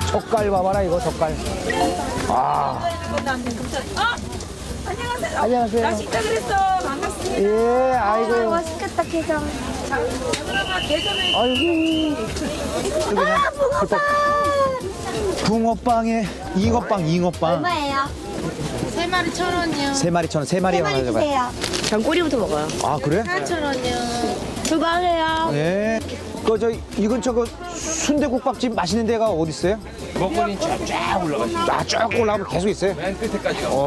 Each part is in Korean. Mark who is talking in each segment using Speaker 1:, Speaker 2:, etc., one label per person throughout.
Speaker 1: 젓갈 봐봐라, 이거 젓갈. 아.
Speaker 2: 안녕하세요.
Speaker 1: 안녕하세요.
Speaker 2: 나 진짜 그랬어. 반갑습니다.
Speaker 1: 예, 아이고.
Speaker 3: 맛있겠다, 게장.
Speaker 2: 그러면 대전에
Speaker 1: 아이고.
Speaker 3: 아, 붕어빵!
Speaker 1: 붕어빵에 잉어빵, 잉어빵.
Speaker 3: 얼마예요?
Speaker 4: 3마리 1,000원이요.
Speaker 1: 3마리 1,000원, 3마리
Speaker 3: 세
Speaker 1: 하나
Speaker 3: 마리
Speaker 1: 가져가요.
Speaker 3: 주세요.
Speaker 2: 전 꼬리부터 먹어요.
Speaker 1: 아, 그래?
Speaker 4: 4,000원이요.
Speaker 3: 수고하세요.
Speaker 1: 네. 이건 순대국밥집 맛있는 데가 어디 있어요?
Speaker 5: 먹거리는 쫙 올라가시죠.
Speaker 1: 쭉 올라가면 계속 있어요?
Speaker 5: 맨 끝에까지 가.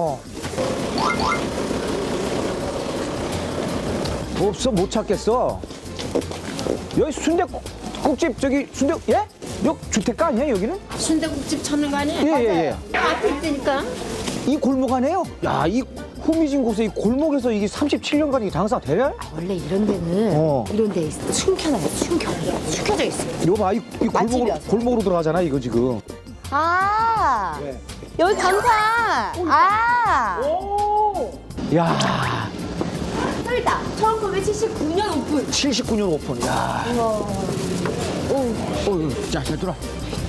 Speaker 1: 없어, 못 찾겠어. 여기 순대국집, 순대, 예? 여기 주택가 아니야, 여기는?
Speaker 4: 순대국집 찾는 거 아니에요?
Speaker 1: 예, 예, 예.
Speaker 4: 앞에 있으니까.
Speaker 1: 이 골목 안에요? 야, 이 후미진 곳에 이 골목에서 이게 37년간 이게 장사가 되냐?
Speaker 3: 원래 이런 데는 이런 데 숨겨놔요. 숨겨져 있어요.
Speaker 1: 이거 봐, 이
Speaker 3: 맛집이어서.
Speaker 1: 골목으로 들어가잖아, 이거 지금.
Speaker 3: 아, 여기 간판. 아,
Speaker 1: 야,
Speaker 3: 설다. 1979년 오픈.
Speaker 1: 79년 오픈. 야. 오, 자, 잘 들어.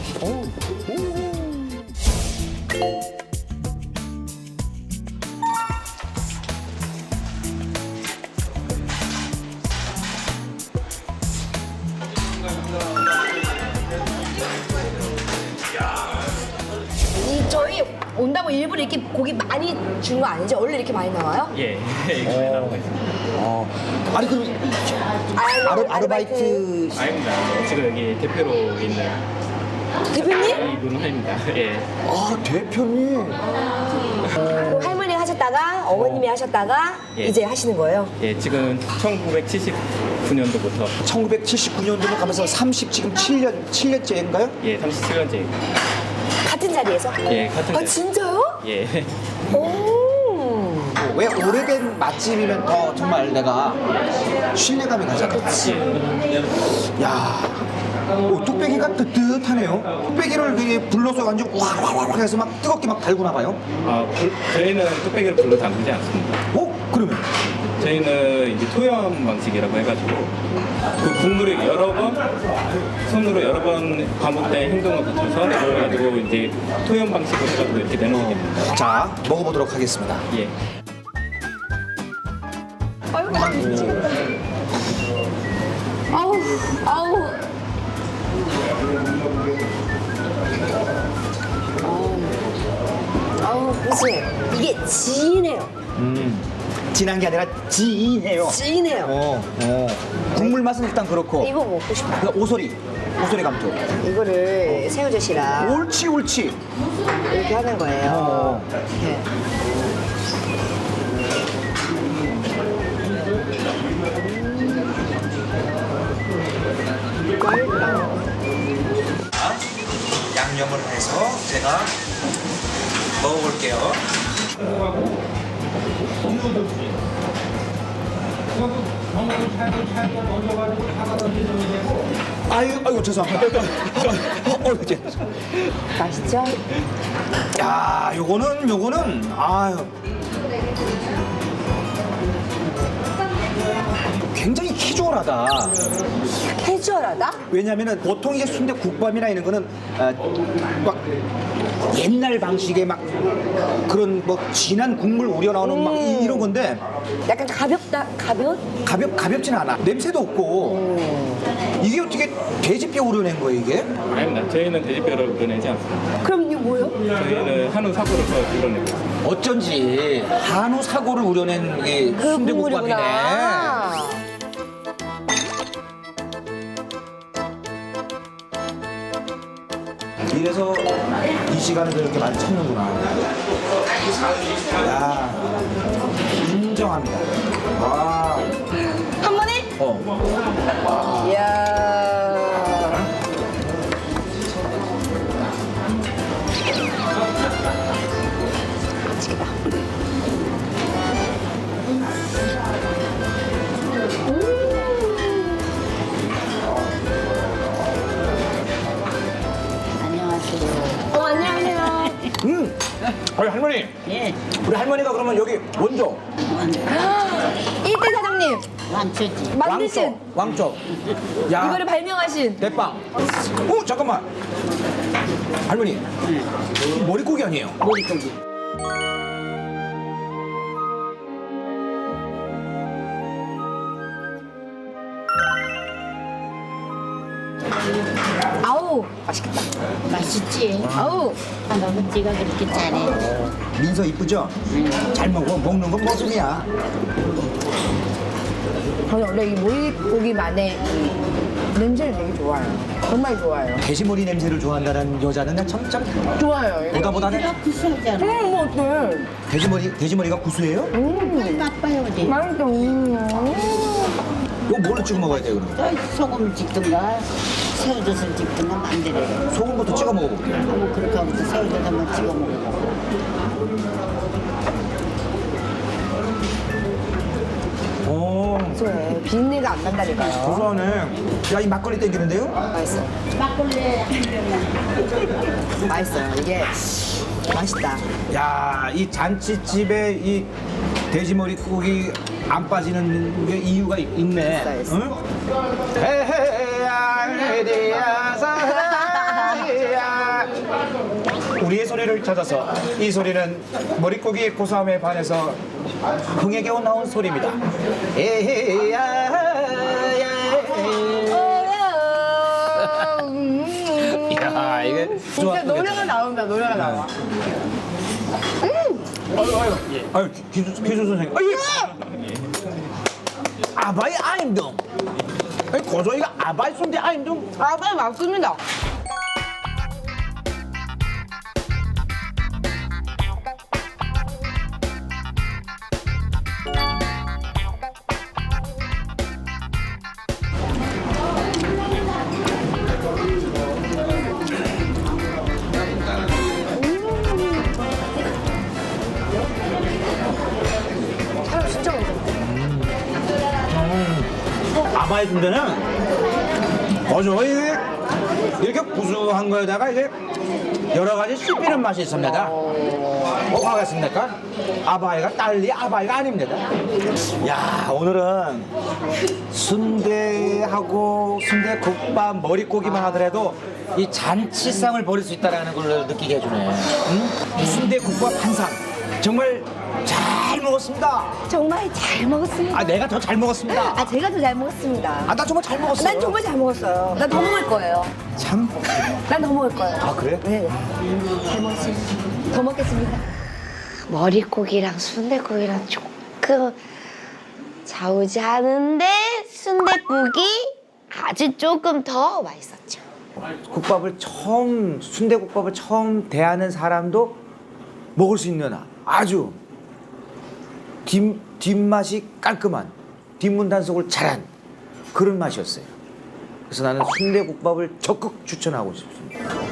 Speaker 3: 저희 온다고 일부러 이렇게 고기 많이 준 거 아니죠? 원래 이렇게 많이 나와요?
Speaker 6: 예, 이거 많이 나오고 있습니다.
Speaker 1: 아니, 그럼 아르바이트.
Speaker 6: 아닙니다. 지금 여기 대표로 있는
Speaker 3: 대표님?
Speaker 6: 이문화입니다. 예.
Speaker 1: 아, 대표님.
Speaker 3: 그 할머니가 하셨다가 어머님이 하셨다가
Speaker 6: 예.
Speaker 3: 이제 하시는 거예요?
Speaker 6: 예, 지금 1979년도부터
Speaker 1: 1979년도로 가면서 지금 7년째인가요?
Speaker 6: 예, 37년째.
Speaker 3: 같은 자리에서?
Speaker 6: 예, 같은
Speaker 3: 아,
Speaker 6: 자리.
Speaker 3: 진짜요?
Speaker 6: 예.
Speaker 3: 오.
Speaker 1: 왜 오래된 맛집이면 더 정말 내가 신뢰감이 가잖아. 야, 뚝배기가 뜨뜻하네요. 뚝배기를 이렇게 불러서 완전 와와와 해서 막 뜨겁게 막 달구나 봐요.
Speaker 6: 저희는 뚝배기를 불러 담그지 않습니다.
Speaker 1: 그러면?
Speaker 6: 저희는 이제 토염 방식이라고 해가지고 그 국물을 손으로 여러 번 반복된 행동을 거쳐서 그래가지고 이제 토염 방식으로 해가지고 이렇게 내놓게 됩니다.
Speaker 1: 자, 먹어보도록 하겠습니다.
Speaker 6: 예.
Speaker 3: 아우, 아우. 아우, 그치? 이게 진해요.
Speaker 1: 진한 게 아니라 지인해요.
Speaker 3: 진해요.
Speaker 1: 국물 맛은 일단 그렇고.
Speaker 3: 이거 먹고 싶어.
Speaker 1: 그 오소리 감쪽.
Speaker 3: 이거를 새우젓이랑
Speaker 1: 옳지.
Speaker 3: 이렇게 하는 거예요. 이렇게.
Speaker 1: 양념을 해서 제가 먹어볼게요. 아이고 죄송합니다. 이제.
Speaker 3: 맛있죠?
Speaker 1: 야, 요거는 아유. 굉장히 캐주얼하다.
Speaker 3: 캐주얼하다?
Speaker 1: 왜냐면은 보통 이제 순대국밥이나 이런 거는 막 옛날 방식의 막 그런 뭐 진한 국물 우려 나오는 막 이런 건데
Speaker 3: 약간 가볍다,
Speaker 1: 가볍진 않아. 냄새도 없고. 이게 어떻게 돼지뼈 우려낸 거예요, 이게?
Speaker 6: 아닙니다. 저희는 돼지뼈를 우려내지 않습니다.
Speaker 3: 그럼 이게 뭐예요?
Speaker 6: 저희는 한우 사고를 서 우려내고 있습니다.
Speaker 1: 어쩐지 한우 사고를 우려낸 게
Speaker 3: 그
Speaker 1: 순대국밥이네.
Speaker 3: 국물이구나.
Speaker 1: 이래서 이 시간에 이렇게 많이 찾는구나. 야, 인정합니다. 와.
Speaker 3: 한 번에? 이야. 맛있겠다. 안녕하세요.
Speaker 1: 할머니.
Speaker 4: 예,
Speaker 1: 우리 할머니가 그러면 여기 원조.
Speaker 3: 1대 사장님
Speaker 4: 완초지.
Speaker 3: 만드신
Speaker 1: 왕초. 야.
Speaker 3: 이거를 발명하신
Speaker 1: 대빵. 잠깐만. 할머니, 머릿고기 아니에요?
Speaker 4: 머릿고기.
Speaker 3: 아우 맛있겠다.
Speaker 4: 맛있지?
Speaker 3: 아우
Speaker 4: 너무 찌가 그렇게 짜네.
Speaker 1: 민서 이쁘죠? 잘 먹어. 먹는 건 모습이야.
Speaker 3: 저는 원래 이 모이고기만의 이 냄새를 되게 좋아해요. 정말 좋아해요.
Speaker 1: 돼지머리 냄새를 좋아한다는 여자는 난 참
Speaker 3: 좋아요. 이거.
Speaker 1: 보다보다는
Speaker 4: 내가 구수하잖아.
Speaker 3: 뭐 어때?
Speaker 1: 돼지머리가 구수해요?
Speaker 4: 나빠요, 어디?
Speaker 3: 맛있어.
Speaker 1: 이거 뭘로 찍어 먹어야 돼요, 그럼?
Speaker 4: 소금 찍든가, 새우젓을 찍든가 만들어요.
Speaker 1: 소금부터 찍어 먹어볼게요.
Speaker 4: 뭐 그렇게 하고서 새우젓 한번 찍어 먹고.
Speaker 1: 오,
Speaker 3: 고소해. 비린내가 안 난다니까요.
Speaker 1: 고소하네. 야, 이 막걸리 땡기는데요?
Speaker 3: 맛있어.
Speaker 4: 막걸리
Speaker 3: 맛있어요. 이게 맛있다.
Speaker 1: 야, 이 잔치집에 이 돼지머리 고기 안 빠지는 게 이유가 있네.
Speaker 3: 있어.
Speaker 1: 응? 헤헤야, 사랑이야. 우리의 소리를 찾아서 이 소리는 머릿고기의 고소함에 반해서 흥에게 나온 소리입니다. 에헤야, 야, 이게
Speaker 3: 진짜 노래가 나온다. 노래가 나와.
Speaker 1: 아유, 기수 선생님. 아유. 아바이 아임동. 아니, 고조이가 아바이 손대 아임동.
Speaker 3: 아빠 맞습니다.
Speaker 1: 아바이 순대는 고조이 이렇게 구수한 거에다가 이제 여러 가지 씹히는 맛이 있습니다. 뭐가 하겠습니까? 아바이가 딸리 아바이가 아닙니다. 야, 오늘은 순대하고 순대국밥 머릿고기만 하더라도 이 잔치상을 벌일 수 있다는 걸 느끼게 해주네. 응? 순대국밥 한 상 정말 잘 먹었습니다.
Speaker 3: 정말 잘 먹었습니다.
Speaker 1: 아, 내가 더 잘 먹었습니다.
Speaker 3: 아, 제가 더 잘 먹었습니다.
Speaker 1: 아, 나 정말 잘 먹었어.
Speaker 3: 난 정말 잘 먹었어요. 난 더 먹을 거예요.
Speaker 1: 참.
Speaker 3: 난 더 먹을 거예요.
Speaker 1: 아, 그래?
Speaker 3: 네. 잘 먹었습니다. 더 먹겠습니다.
Speaker 2: 머릿고기랑 순댓국이랑 조금 자우지하는데 순댓국이 아주 조금 더 맛있었죠.
Speaker 1: 순대국밥을 처음 대하는 사람도 먹을 수 있는 아주 뒷맛이 깔끔한 뒷문 단속을 잘한 그런 맛이었어요. 그래서 나는 순대국밥을 적극 추천하고 싶습니다.